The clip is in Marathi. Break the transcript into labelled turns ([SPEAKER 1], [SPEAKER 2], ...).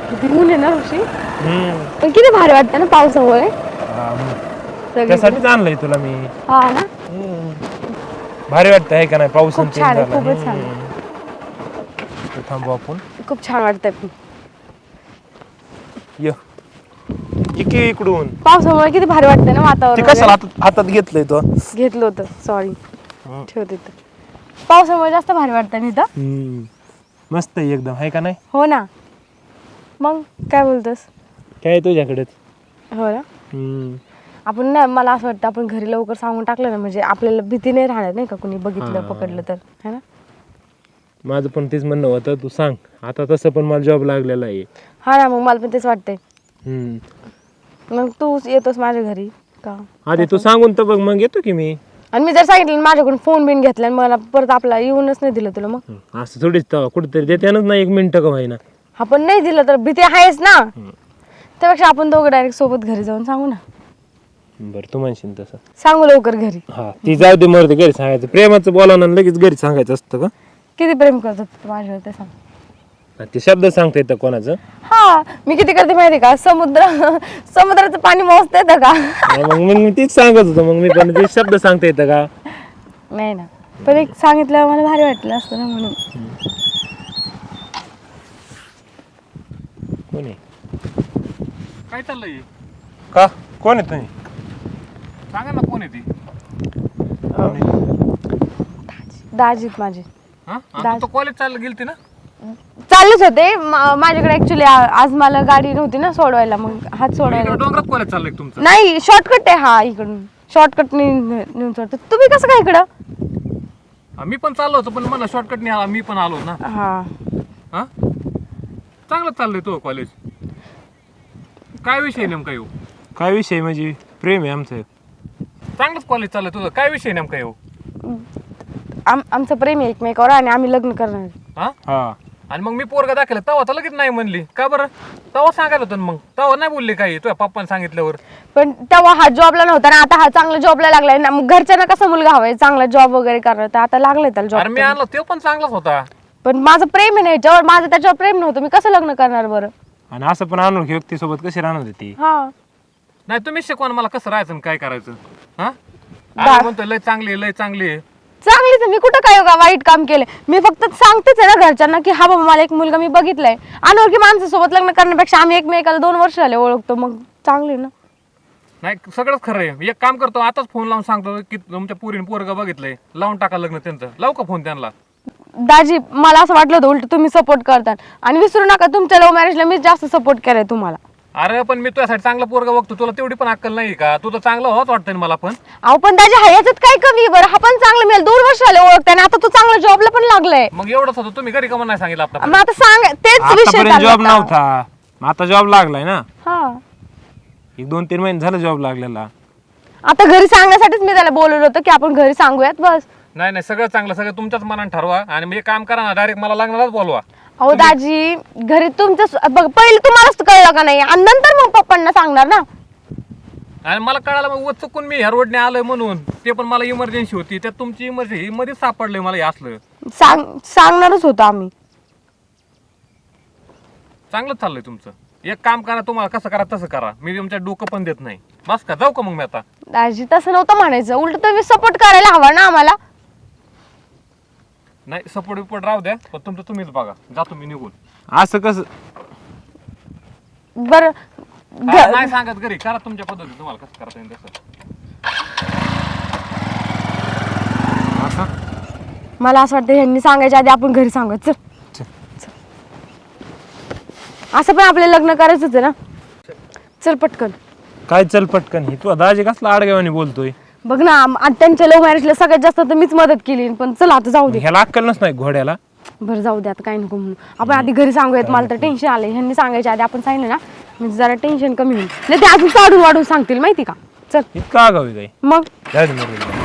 [SPEAKER 1] किती ऊन आहे ना ऋषी.
[SPEAKER 2] हम्म
[SPEAKER 1] पण किती भारी वाटतं ना पावसामुळे.
[SPEAKER 2] त्यासाठीच आणलंय तुला मी.
[SPEAKER 1] हा ना,
[SPEAKER 2] भारी वाटतं आहे का नाही पाऊस
[SPEAKER 1] खूप छान आहे, खूपच छान.
[SPEAKER 2] थांबू आपण.
[SPEAKER 1] खूप छान वाटतंय.
[SPEAKER 2] ये इकडे इकडून
[SPEAKER 1] पावसामुळे किती भारी वाटतंय ना
[SPEAKER 2] ते
[SPEAKER 1] वातावरण.
[SPEAKER 2] कसं हातात घेतलंय तो.
[SPEAKER 1] घेतलं होतं, सॉरी. ठेवते तर. पावसामुळे जास्त भारी वाटतं ना इथं.
[SPEAKER 2] मस्त आहे एकदम आहे का नाही.
[SPEAKER 1] हो ना, मग काय बोलतोस.
[SPEAKER 2] काय आहे तुझ्याकडेच.
[SPEAKER 1] हो ना, आपण ना, मला असं वाटतं आपण घरी लवकर सांगून टाकलं ना, म्हणजे आपल्याला भीती नाही राहणार नाही का, कुणी बघितलं पकडलं तर, है ना.
[SPEAKER 2] माझं पण तेच म्हणणं होतं, तू सांग आता. तसं पण मला जॉब लागलेला आहे.
[SPEAKER 1] हा ना, मग मला पण तेच वाटतंय. मग तू येतोस माझ्या घरी का.
[SPEAKER 2] आधी तू सांगून तर बघ, मग येतो की मी.
[SPEAKER 1] आणि मी जर सांगितलं माझ्याकडून फोन बिन घेतला आणि मला परत आपला येऊनच नाही दिलं तुला, मग
[SPEAKER 2] असं थोडीच कुठेतरी देत्यानच ना 1 मिनिट का होईना.
[SPEAKER 1] आपण नाही दिलं तर भीती आहेच ना. त्यापेक्षा आपण दोघं डायरेक्ट सोबत घरी जाऊन सांगू ना.
[SPEAKER 2] बरं तू म्हणशील तसं.
[SPEAKER 1] सांगू लवकर घरी.
[SPEAKER 2] हा ती जाऊ दे, मरते घरी सांगायचं. प्रेमाचं बोलावं आणि लगेच घरी सांगायचं असतं का.
[SPEAKER 1] किती प्रेम करतात तू माझ्यावर ते सांग.
[SPEAKER 2] ते शब्द सांगता येतं कोणाचं.
[SPEAKER 1] हा, मी किती करते माहिती का. समुद्राचं पाणी मोजता येतं का.
[SPEAKER 2] मग मी तीच सांगत होतो. मग मी पण ते शब्द सांगता येतं का.
[SPEAKER 1] नाही ना, पण एक सांगितलं मला भारी वाटलं असतं ना, म्हणून.
[SPEAKER 2] कोण आहे.
[SPEAKER 3] काय चाललंय.
[SPEAKER 2] का कोण आहे तुम्ही.
[SPEAKER 3] सांगा ना कोण आहे ती.
[SPEAKER 1] दाजीत माझे.
[SPEAKER 3] हा तू तर कॉलेज चाललं गेलती ना.
[SPEAKER 1] चाललेच होते. माझ्याकडे ऍक्च्युली आज मला गाडी नव्हती ना सोडवायला, मग हात सोडवायला.
[SPEAKER 3] डोंगरात कॉलेज चाललंय तुमचं.
[SPEAKER 1] नाही, शॉर्टकट आहे हा, इकडून शॉर्टकट नेऊन सोडतो. तुम्ही कसं काय इकडं.
[SPEAKER 3] मी पण चाललो होतो, पण मला शॉर्टकट नाही आला. मी पण आलो ना.
[SPEAKER 1] हा,
[SPEAKER 3] चांगलं चाललंय तो कॉलेज. काय विषय नेमका येऊ.
[SPEAKER 2] काय विषय म्हणजे प्रेम आहे आमचं.
[SPEAKER 3] चांगलंच कॉलेज चाललंय तुझं. काय विषय नेमका येऊ.
[SPEAKER 1] आमचं प्रेम आहे एकमेकावर आणि आम्ही लग्न करणार.
[SPEAKER 2] हा
[SPEAKER 3] आणि मग मी पोरगा दाखवलं तेव्हा तर लगेच नाही म्हणली का बरं. तेव्हा सांगायला होतं मग. तेव्हा नाही बोलली काही तुझ्या पप्पाने सांगितल्यावर.
[SPEAKER 1] पण तेव्हा हा जॉबला नव्हता ना, आता हा चांगला जॉबला लागलाय ना. मग घरच्यांना कसा मुलगा हवाय चांगला जॉब वगैरे करणार, तर आता लागलाय त्याला
[SPEAKER 3] अरे मी
[SPEAKER 1] जॉब.
[SPEAKER 3] आणलं ते पण चांगलाच होता.
[SPEAKER 1] पण माझं प्रेम आहे ना याच्यावर, माझं त्याच्यावर प्रेम नव्हतं. मी कसं लग्न करणार बरं.
[SPEAKER 2] आणि असं पण अनोळखी व्यक्तीसोबत कशी राहणार ती.
[SPEAKER 1] हा,
[SPEAKER 3] नाही तुम्हीच शिकवा ना मला कसं राहायचं आणि काय करायचं. हा म्हणतो लय चांगली आहे, लय चांगली आहे.
[SPEAKER 1] चांगलीच आहे. मी कुठं काय वाईट काम केलंय. मी फक्त सांगतेच आहे ना घरच्यांना की हा बाबा मला एक मुलगा मी बघितलाय. अनोळखी माणसासोबत लग्न करण्यापेक्षा आम्ही एकमेकाला 2 वर्ष झाले ओळखतो, मग चांगली ना.
[SPEAKER 3] नाही सगळंच खरं आहे. एक काम करतो, आताच फोन लावून सांगतो की तुमच्या पोरीने पोरगा बघितलंय, लावून टाका लग्न त्यांचं. लावू का फोन त्यांना.
[SPEAKER 1] दाजी, मला असं वाटलं होतं उलट तुम्ही सपोर्ट करतात. आणि विसरू नका तुमच्या लव्ह मॅरेजला मी जास्त सपोर्ट केलाय तुम्हाला.
[SPEAKER 3] अरे पण मी तुझ्यासाठी चांगला पोरगा बघतो. तुला तेवढी पण अक्कल नाही का. तू तर चांगला होत वाटतंय मला पण.
[SPEAKER 1] अहो पण दाजी ह्याच्यात काय कमी बरं. हा पण चांगलं मिळेल. 2 वर्ष झाले ओळखताय, आता तू चांगला जॉबला पण लागलाय.
[SPEAKER 3] मग एवढंच होतं. तुम्ही घरी कमा नाही सांगितलं आता.
[SPEAKER 1] मग आता सांग, तेच विषय
[SPEAKER 2] आतापर्यंत
[SPEAKER 1] चालला
[SPEAKER 2] जॉब
[SPEAKER 1] होता.
[SPEAKER 2] नव्हता, आता जॉब लागलाय ना.
[SPEAKER 1] हा,
[SPEAKER 2] 1-2-3 महिने झालं जॉब लागलेला.
[SPEAKER 1] आता घरी सांगण्यासाठीच मी त्याला बोलवलं होतं की आपण घरी सांगूयात बस.
[SPEAKER 3] नाही नाही सगळं चांगलं. सगळं तुमच्याच मनाने ठरवा. आणि मी एक काम करा ना, डायरेक्ट मला लग्नालाच बोलवा.
[SPEAKER 1] अहो दाजी, घरी तुमचं बघ, पहिले तुम्हालाच कळलं का नाही, आणि नंतर मग पप्पांना सांगणार ना.
[SPEAKER 3] आणि मला कळालं मग चुकून मी ह्या रोडने आलोय म्हणून. ते पण मला इमर्जन्सी होती. त्यात तुमची इमर्जन्सी मध्येच सापडलंय मला हे असलं.
[SPEAKER 1] सांगणारच होतं आम्ही.
[SPEAKER 3] चांगलं चाललंय तुमचं. एक काम करा, तुम्हाला कसं करा तसं करा. मी तुमच्या डोकं पण देत नाही. बस का, जाऊ का मग मी आता.
[SPEAKER 1] दाजी तसं नव्हतं म्हणायचं, उलट तुम्ही सपोर्ट करायला हवा ना आम्हाला.
[SPEAKER 3] नाही सपोर्ट बिपोर्ट राहू द्या, पण तुमचं तुम्हीच बघा. जातो मी निघून.
[SPEAKER 2] असं कसं.
[SPEAKER 1] बरं
[SPEAKER 3] नाही सांगत घरी. करा तुमच्या पद्धतीने, तुम्हाला कसं करता येईल तसं.
[SPEAKER 1] मला असं वाटतं ह्यांनी सांगायच्या आधी आपण घरी सांगत. चल, असं पण आपल्याला लग्न करायचंच आहे ना. चल पटकन.
[SPEAKER 2] काय चल पटकन. ही तू दाजी कसला आडगावाने बोलतोय.
[SPEAKER 1] बघ ना, त्यांच्या लव्ह मॅरेजला सगळ्यात जास्त तर मीच मदत केली, पण चल आता जाऊ दे.
[SPEAKER 2] ह्याला अक्कलच नाही घोड्याला.
[SPEAKER 1] बरं जाऊ दे आता, काय नको म्हणून. आपण आधी घरी सांगूयात. मला तर टेन्शन आलंय. ह्यांनी सांगायच्या आधी आपण सांगितलं ना, म्हणजे जरा टेन्शन कमी होईल. नाही ते अजून वाढून सांगतील माहिती का. चल.
[SPEAKER 2] इतका आगावी काय.
[SPEAKER 1] मग
[SPEAKER 2] जाऊ दे मरू दे.